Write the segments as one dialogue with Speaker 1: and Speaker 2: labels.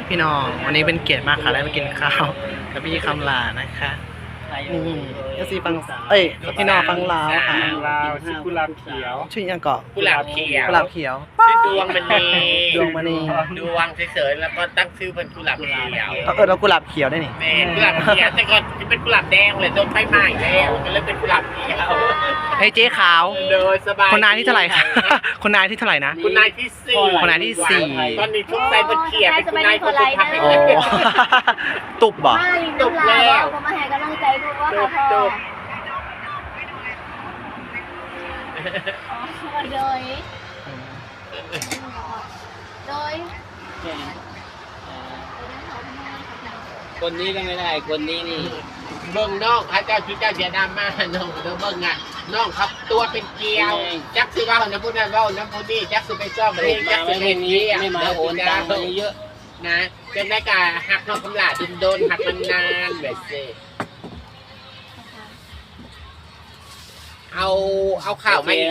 Speaker 1: พี่น้องวันนี้เป็นเกียรติมากค่ะได้มากินข้าวกับพี่คำลานะคะนี่ก็ซีฟังพี่น้องฟังลาวค่ะ
Speaker 2: ลาวชื่อกุหลาบเขียว
Speaker 1: ชื่อยังเกาะ
Speaker 3: กุหลาบเขียว
Speaker 1: กุหลาบเขียว
Speaker 3: ชื่อดวงมณี
Speaker 1: ดวงมณี
Speaker 3: ดวงเฉยๆแล้วก็ตั้งชื่อเป็นกุหลาบเขียว
Speaker 1: เรากุหลาบเขียวได้นี่
Speaker 3: แม่กุหลาบเขียวแต่ก่อนเป็นกุหลาบแดงเลยโดนไฟไหม้แล้วก็เลยเป็นกุหลาบเขียว
Speaker 1: ไอ้เจ๊ขาว
Speaker 3: โดยสบาย
Speaker 1: คนนายที่เท่าไหร่คะคนนายที่เท่าไหร่นะ
Speaker 3: คุณนายที่สี่
Speaker 1: คนนายที่สี่
Speaker 3: ตอนนี้ทุกใจเป็นเขียวเป็นคุณนายคนสุดท้าย
Speaker 1: โอ้ตุบบ่
Speaker 3: จบแล้ว
Speaker 4: ผมมาให้กำลังใจดูว่าค่ะพ่อโดย
Speaker 2: คนนี้ก็ไม่ได้คนนี้นี่
Speaker 3: เบิ่งน้องพระเจ้าที่เจ้าเสียดำมาน้องเบิ่งอ่ะน้องครับตัวเป็นเกลียวจักสิว่าน้ำพุนั้นว่าน้ำพุนี่จักสิไปซ่อมเองจักสิเป็นเกลียว
Speaker 2: ไม่มาโอนตังค์มาเยอะ
Speaker 3: นะเป็นได้กาหักน้องคำลาโดนหักมันนานแบบเซ่เอาข่าวมาอีก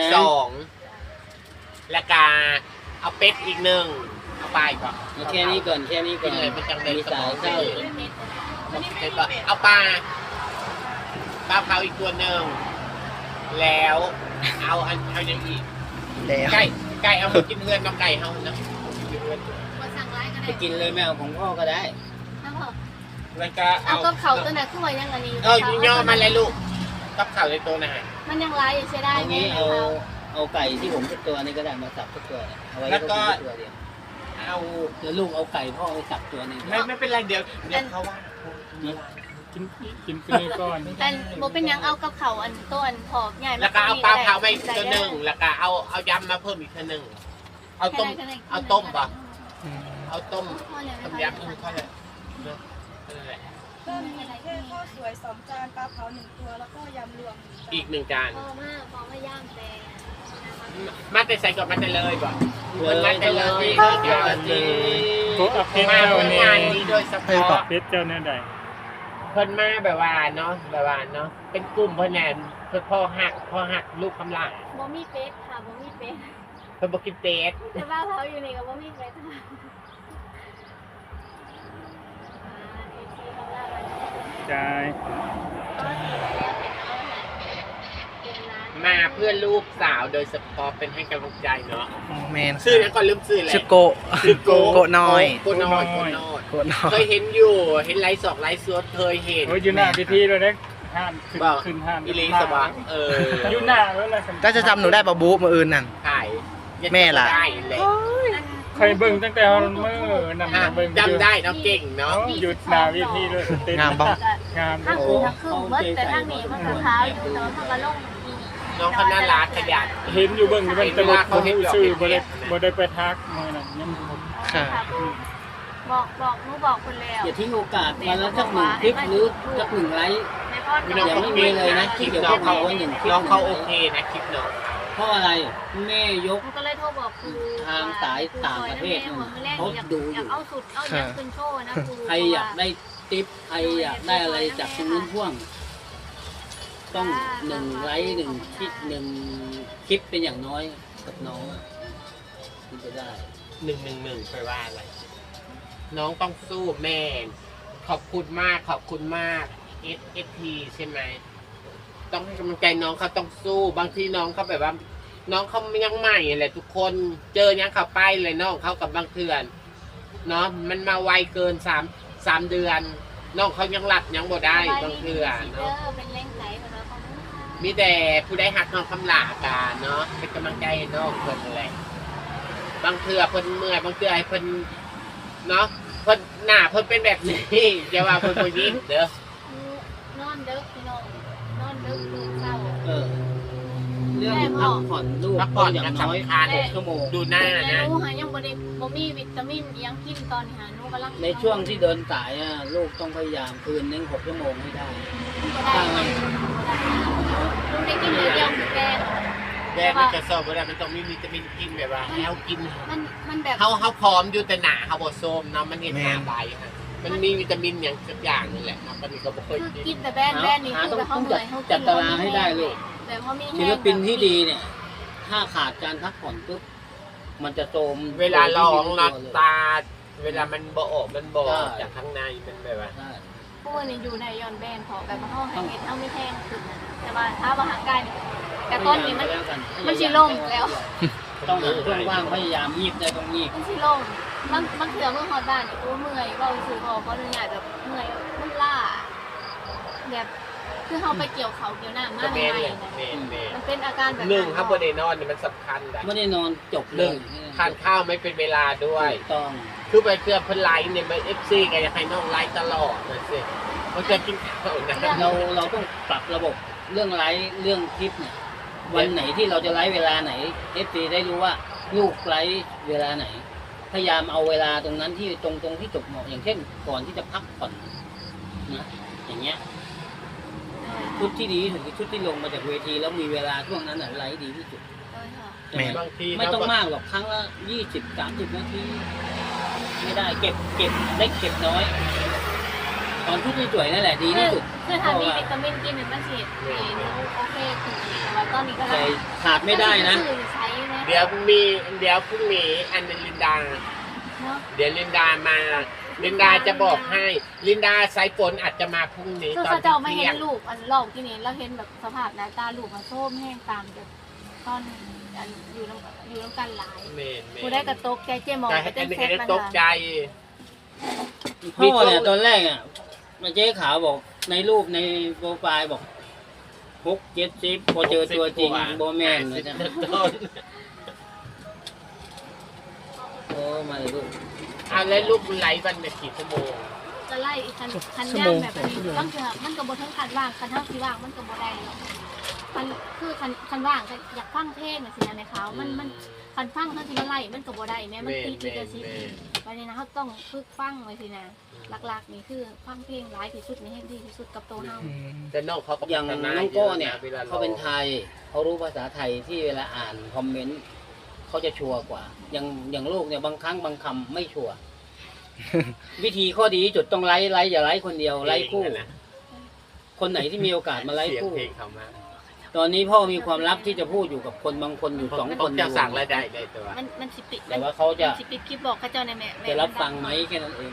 Speaker 3: 2แล้วก็เอาเป็ดอีก1เอาไปก่อน
Speaker 2: แค่นี้ก่อนแค่นี้ก่อน
Speaker 3: เลยเป็นจังเลย
Speaker 2: มีสายเข้า
Speaker 3: เอาปลาเผาอีกตัวหนึ่งแล้วเอาอย่างอีก
Speaker 1: แล้ว
Speaker 3: ไก่เอามากินเฮือนน้องไก่เฮานะ
Speaker 2: ไปกินเลยแมวของพ่อก็ได้
Speaker 3: แล้วก็
Speaker 4: เอากับเขาตัวไหนขึ้นมายังอันนี้
Speaker 3: ย่อมาเลยลูกกับข่าวในตัวนะฮะ
Speaker 4: มันยังร้ายอยู่ใช่ได้
Speaker 2: ตรงนี้เอาไก่ที่ผมสักตัวนี้ก็ได้มาสับสักตัวเอาไว้ตัวเดียว
Speaker 3: เอา
Speaker 2: เดี๋ยวลูกเอาไก่พ่อไปสับตัวนึง
Speaker 3: ไม่เป็นไรเดี๋ยวเขาว่า
Speaker 2: กินไปเลยก่อน
Speaker 4: แต่โบเป็นยังเอากับเขาอันต้นผอบใหญ่
Speaker 3: แล้วก็เอาปลาเผาไปอีกตัวหนึ่งแล้วก็เอายำมาเพิ่มอีกตัวหนึ่งเอาต้มป่ะเอาต้มยำเขาเลยนั่นแหละ
Speaker 5: ก็มีแค่ข้าวสวย2 จานปลาเผา1 ตัวแล้วก็ยำรวม
Speaker 3: อีก1 จาน
Speaker 4: พอมาย่างแดง
Speaker 3: มาแต่ใส่ก่อนมาแต่เลยป่ะมันมาแต่เลย
Speaker 2: โอ้เพชร
Speaker 3: มา
Speaker 2: เจ้า
Speaker 3: เพื่อ
Speaker 2: เนี่ย
Speaker 3: งานนี้โดยเฉพาะ
Speaker 2: เพชรเจ้าเนี่ยใด
Speaker 3: เพิ่นมาแบบว่าเนาะเป็นกลุ่มเพิ่นแน่เพิ่นพ่อหักลูกคำลา
Speaker 4: โบมีเป็ดค่ะโบมีเป็ด
Speaker 3: เพิ่นบ่กินเป็ด
Speaker 4: แต่ว่าเขาอยู่ในกับโบมีเป็ดค่ะ
Speaker 2: ใช่
Speaker 3: มาเพื่อลูกสาวโดยเฉพาะเป็นให้กำลังใจเนาะ
Speaker 1: แมน
Speaker 3: ชื่อนั้นก่อนลืมชื่อเลย
Speaker 1: ชื่อโกะ โกะน้อย
Speaker 3: โกะน้อย
Speaker 1: โกะน้อ
Speaker 3: เค
Speaker 1: ย
Speaker 3: ยเห็นอยู่เห็นไลฟ์สดไลฟ์สดเคยเห็น
Speaker 2: โอ้ยอยู่หน้าพิธีเลยนะห้ามขึ้นห้าม
Speaker 3: อิลีสว่าง
Speaker 2: อยู่หน้าแล้วล่ะ
Speaker 1: ก็จะจำหนูได้ปะบูมืออื่นนั่น
Speaker 3: ถ่าย
Speaker 1: แม่ล่ะ
Speaker 3: ได้เลย
Speaker 2: ใครเบิ่งตั้งแต่เมื่อนำเบิ่ง
Speaker 3: จำได้เนาะเก่งเนาะ
Speaker 2: หยุดหน้าพิธีเลยเต้น
Speaker 1: งามบ้อง
Speaker 2: งาม
Speaker 4: ทั้งคือทั้งคือเบิดแต่ทั้งนี้มันก็เท้าอยู่แต่ว่ามันก็ลง
Speaker 3: น้องเขาน่ารักขยัน
Speaker 2: เห็นอยู่เบิ่งอยู่เป็นตลกเขาชื่อบ่ได้ไปทักมื้อนั้นยัง
Speaker 1: ค่ะ
Speaker 4: บอกหนูบอกคนแล้ว
Speaker 2: อย่าทิ้งโอกาสมาแล้วสัก1 คลิปหรือสัก1 ไลค์
Speaker 4: ในพ่อ
Speaker 2: ยังไม่มีเลยนะคลิปเดี๋ยว
Speaker 3: น้องเขา
Speaker 2: เอาไว้1 คลิป
Speaker 3: น้องเขาโอเคนะคลิปเนาะ
Speaker 2: เพราะอะไรแม่ยก
Speaker 4: หนูก็เลยโทรบอกครู
Speaker 2: ทางสายต่างประเทศเขาดูอยู่
Speaker 4: อยากเอาสุดเอาอย่างขึ้นโชว์นะครู
Speaker 2: ใครอยากได้ติ๊บใครอยากได้อะไรจากตรงนู้นพ่วง ต้อง1 ไลค์1 คลิป1 คลิปเป็นอย่างน้อยกับน้องถึงจะได้
Speaker 3: 111ไปว่าอะไรน้องต้องสู้แม่ขอบคุณมากSST ใช่ไหมต้องให้กำลังใจน้องเขาต้องสู้บางทีน้องเขาแบบว่า น้องเขายังใหม่แหละทุกคนเจอยังเขาไปเลยน้องเขากับบางเถื่อนเนาะมันมาไวเกิน3 เดือนน้องเขายังหลับยังบ่ได้บางเถื่อนเนาะ
Speaker 4: เป็นเล่งไหลของเราของ
Speaker 3: มีแต่ผู้ได้หักน้องคำลาตาเนาะเป็นกำลังใจให้น้องเพิ่นอะไรบางเถื่อเพิ่นเมื่อยบางเถื่อให้เพิ่นเนาะเพิ่นหน้าเพิ่นเป็นแบบนี้อย่าว่าเพิ่นบ่ยิ้มเด้อน
Speaker 4: อนเด็กพี่น้องนอนเด็กตื่นเช้า
Speaker 2: เรื่องพักผ่อนลูก
Speaker 3: พักผ่อน
Speaker 2: อย่าง
Speaker 3: กัน
Speaker 2: น้อย
Speaker 3: สำคัญ
Speaker 2: 6 ชั่วโมง
Speaker 3: ดูหน้า
Speaker 4: แต่
Speaker 3: นะ
Speaker 4: หนูหายังบ่มีวิตามินยังกินตอนหาหนูกำลัง
Speaker 2: ในช่วงที่เดินสายลูกต้องพยายามคืนนึง6 ชั่วโมงให้ได้
Speaker 4: ได้ลูกได้กินเดียวแก
Speaker 3: แม่มันจะสอบบ่ได้มันต้องมีวิตามินกินแบบว่าให้เฮากิน
Speaker 4: มันแบบ
Speaker 3: เฮาพร้อมอยู่แต่หน้าเฮาบ่โซมเนาะมันเห็นหน้าใบฮะมันมีวิตามินอย่างสักอย่างนี่แหละครับมันก็บ่เคย
Speaker 4: คือ
Speaker 3: กิ
Speaker 4: กิ
Speaker 3: น
Speaker 4: นแต่แบนนี่คือแบบเขาเหนื่อยเขา
Speaker 2: จัดตารางให้ได้ลูก
Speaker 4: แบบเขามี
Speaker 2: ศิลปินที่ดีเนี่ย ถ้าขาดการพักผ่อนปุ๊บมันจะโทรม
Speaker 3: เวลาร้องหลับตาเวลามันบ่ออกมันบ่ออกจากข้างในมันแบบว่า
Speaker 2: ใช่
Speaker 4: พวกนี้อยู่ในย้อนแบนพอแบบมาห้องแห่งเอ็ดเอาไม่แพงสุดนะแต่ว่าถ้าว่าห่างกันแต่ต้นนี้มันชิลงแล้ว
Speaker 2: ต้องหาช่วงว่างพยายามยีบได้ต้องยีบ
Speaker 4: มันชิลงมันเถื่อเมื่อฮอดบ้านเนี่ยโอ้เมื่อยเบาสูพอเพราะเหนื่อยแบบเมื่อยมันล่าแบบคือเขาไปเกี่ยวเขาเกี่ยวหน้ามาก
Speaker 3: เม
Speaker 4: ให
Speaker 3: น
Speaker 4: ม่
Speaker 3: เลย
Speaker 4: ๆนะ
Speaker 3: เมน
Speaker 4: มันเป็นอาการแบบ
Speaker 3: หนึ่งครับบนในนอนเนี่ยมันสำคัญนะ
Speaker 2: ไม่ได้นอนจบเล
Speaker 3: หนึ่ง
Speaker 2: ย
Speaker 3: ทานข้าวไม่เป็นเวลาด้วย
Speaker 2: ถูกต้อง
Speaker 3: คือไปเพื่อเพื่อนไลฟ์เนี่ยไปเอฟซีกันอยากให้น้องไลฟ์ตลอดนะสิมันจะกินข้าวนะ
Speaker 2: เราต้องปรับระบบเรื่องไลฟ์เรื่องคลิปเนี่ยวันไหนที่เราจะไลฟ์เวลาไหน FC ได้รู้ว่าลูกไลฟ์เวลาไหน พยายามเอาเวลาตรงนั้นที่ตรงที่จบเหมาะอย่างเช่นก่อนที่จะพักผ่อนนะอย่างเงี้ยชุดที่ดีที่สุดคือชุดที่ลงมาจากเวทีแล้วมีเวลาช่วงนั้นไลฟ์ดีที่สุดใช่ไหม
Speaker 3: บางที
Speaker 2: ไม่ต้องมากหรอกครั้งละ20-30 นาทีไม่ได้เก็บได้เก็บน้อย ตอนชุดที่สวยนั่นแหละดีที่สุด
Speaker 4: คือถ้ามีวิตามินกินหนึ่งมันฉีดโอเคถึงแต่ว่าตอนนี้ก็
Speaker 2: แต่ขาดไม่ได้นะ
Speaker 4: ใช้นะ
Speaker 3: เดี๋ยวพรุ่งนี้อันนึงลินดา
Speaker 4: เนาะ
Speaker 3: เดี๋ยวลินดามาลินดาจะบอกให้ลินดาสายฝนอาจจะมาพรุ่งนี้
Speaker 4: คือ
Speaker 3: ตอน
Speaker 4: เขาจะเอามา
Speaker 3: เที่
Speaker 4: เห็
Speaker 3: ยง
Speaker 4: นลูกอันหลอกที่นี่เราเห็นแบบสภาพหน้าตาลูกมันส้มแห้งตามแบบตอนอยู่น้ำกันหลาย
Speaker 3: เมน
Speaker 4: กูได้กระตกใจเจมอง
Speaker 3: แต่
Speaker 4: ไป
Speaker 3: อั
Speaker 4: เต้
Speaker 3: น
Speaker 4: น
Speaker 3: นี้
Speaker 4: เซต
Speaker 3: ได้
Speaker 4: มา
Speaker 3: ตกใจ
Speaker 2: พ่อเนี่ยตอนแรกอ่ะมาเจ๊ขาวบอกในรูปในโปรไฟล์บอก6-70พอเจอตัวจริงโบแมนเลยนะโอ้มาเลยลูก
Speaker 3: เอาแล้วลูกไลฟ์วันละกี่ชั่วโมง
Speaker 4: จะไล่คันย่างแบบนี้บางเถื่อมันกับบทั้งคันว่างคันเท่าที่ว่างมันกับบได้มันคือคันว่างอยากฟังเพลงสินะในเขามันคันฟังเท่าที่มันไล่มันกับบได้แม้มันตีลิขสิทธิ์ไปในนั้นเขาต้องฝึกฟังไว้สินะหลักๆนี่คือฟังเพลงร้ายที่สุดในให้ดีที่สุดกับตัวเฮา
Speaker 3: แต่น้องเขาก็
Speaker 2: อย่าง
Speaker 3: พัฒ
Speaker 2: น้องโก้เนี่ย
Speaker 3: วล
Speaker 2: เขาเป็นไทยเขารู้ภาษาไทยที่เวลาอ่านคอมเมนต์เขาจะชัวร์กว่าอย่างลูกเนี่ยบางครั้งบางคำไม่ชัวร์ วิธีข้อดีที่สุดต้องไลฟ์อย่าไลฟ์คนเดียวไลฟ์คู่
Speaker 3: นะ
Speaker 2: คนไหนที่มีโอกาสมาไลฟ์
Speaker 3: เสียง
Speaker 2: คู่
Speaker 3: เพลงเขามา
Speaker 2: ตอนนี้พ่อมีความลับที่จะพูดอยู่กับคนบางคนอยู่2 คน
Speaker 3: จะสั่งรายได้ตัว
Speaker 4: มันสิปิด
Speaker 2: แต่ว่าเขาจะ
Speaker 4: สิปิดคลิปบอกเขาเจ้าในแม่
Speaker 2: จะรับฟังไหมแค่นั้นเอง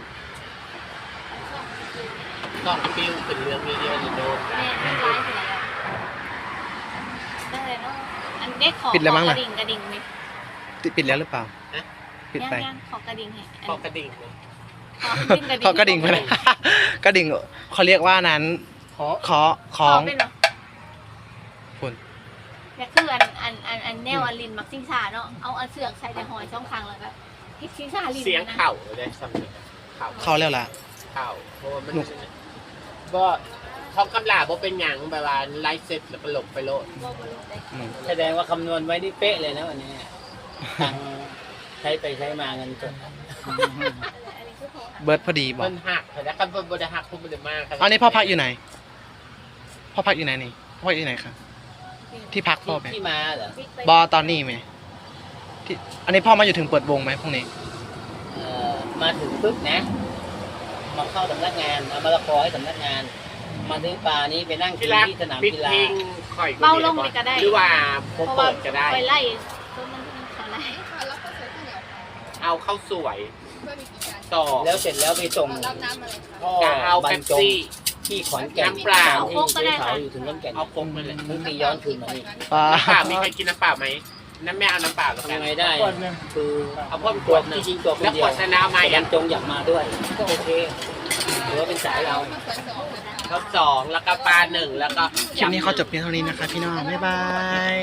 Speaker 3: ต้องปิ้วเป็นเรื่องเยอะๆโดน
Speaker 4: แม่มันไลฟ์ไปแล้วได้เลยเนาะอันเด็กขอก
Speaker 1: ปิดแล้วมั้ง
Speaker 4: ก
Speaker 1: น่ะ
Speaker 4: ระดิ่งไหม
Speaker 1: ปิดแล้วหรือเปล่าปิดไป
Speaker 4: ย่างขอกระดิ่งให้
Speaker 3: พอกระดิ่งเลย
Speaker 1: ขอกระดิ่งไปเลย กระดิ่งเขาเรียกว่านั้นขอข
Speaker 4: ข
Speaker 1: อ
Speaker 4: อง เป็นเหรอ
Speaker 1: คุณ
Speaker 4: แต่คืออันแนวอันลินมักซิงซาเนาะเอาอันเสือกใส่แต่หอยช่องคางแล้วก็ฮิตซิงซาลิน
Speaker 3: เสียง
Speaker 4: นะ
Speaker 3: เข่าเลยสำเนียงเข่า
Speaker 1: เขาแล้วล่ะ
Speaker 3: เข่าเพราะว่ามันก็เขากำลาบ่เป็นหยังแบบว่าไลฟ์เสร็จแล้วก็หลบไปโลด
Speaker 4: บ่บ่รู้ได้
Speaker 1: อืม
Speaker 2: แสดงว่าคำนวณไว้นี่เป๊ะเลยนะวันนี้ตังค์ใช้ไปใช้มาเงินสด
Speaker 4: อันนี้คือของ
Speaker 1: เบิร์ดพอดีบอก
Speaker 3: มันหักแต่คันบ่ได้หักพุ่บ่ได้มาก
Speaker 1: อันนี้พ่อพักอยู่ไหน พ่อพักอยู่ไหนนี่ พ่ออยู่ไหนคะที่พักพ่อไหม
Speaker 2: ที่มาเหรอ
Speaker 1: บอตอนนี้ไหมที่อันนี้พ่อมาอยู่ถึงเปิดวงไหมพรุ่งนี้
Speaker 2: มาถึงปุ๊บนะมาเข้าสำนักงานเอามะละกอให้สำนักงาน มาถึงป่านี้ไปนั่งกิ
Speaker 3: ที่
Speaker 2: น
Speaker 3: รัก
Speaker 2: ที่สนาม
Speaker 3: ปิด
Speaker 2: กี
Speaker 3: เพ
Speaker 2: ฬา
Speaker 3: ลงข่อย
Speaker 4: เบาลงนี่ก็ได้
Speaker 3: หรือว่าผม
Speaker 4: เพราะว่า
Speaker 3: เปิดก็ได้
Speaker 4: ไปไล่ต้นมันเขาไล่
Speaker 3: เอาเข้าสวยต่อ
Speaker 2: แล้วเสร็จแล้วไปส่ง
Speaker 5: รับน้ำอะไรคะ
Speaker 2: พ่อ
Speaker 3: จะเอา
Speaker 2: บร
Speaker 3: เป๊
Speaker 2: ร
Speaker 3: ป
Speaker 2: จง
Speaker 3: ซี่
Speaker 2: ที่ขอนแก่น
Speaker 3: น้ำเปล่า
Speaker 2: ที่เจ๊ขาวอยู่ถึงขอนแก่น
Speaker 3: เอาโค้กมาเลย
Speaker 2: ทั้งตีย้อนคืนมานี่
Speaker 1: ป้า
Speaker 3: น้ำเปล่ามีใครกินน้ำเปล่าไหมน้ำแม่เอาน้ำเปล่าแล้วกั
Speaker 2: ทำ
Speaker 3: น
Speaker 2: ยังไงได้ คือ
Speaker 3: เอาพ่นข
Speaker 2: ตัว
Speaker 3: วดหนึ่
Speaker 2: ที่
Speaker 3: ง
Speaker 2: จริงตัวคน
Speaker 3: แล้ว
Speaker 2: เดี
Speaker 3: ข
Speaker 2: ยว
Speaker 3: วดชนะมา
Speaker 2: ยั
Speaker 3: ยัง
Speaker 2: จงอยากมาด้วย ก็โอเคถือว่าเป็นสายเรา
Speaker 3: เขา2แล้วก็ปลา1แล้วก็
Speaker 1: คลิปนี้เขาจบเพียงเท่านี้นะคะพี่น้อง บ๊ายบาย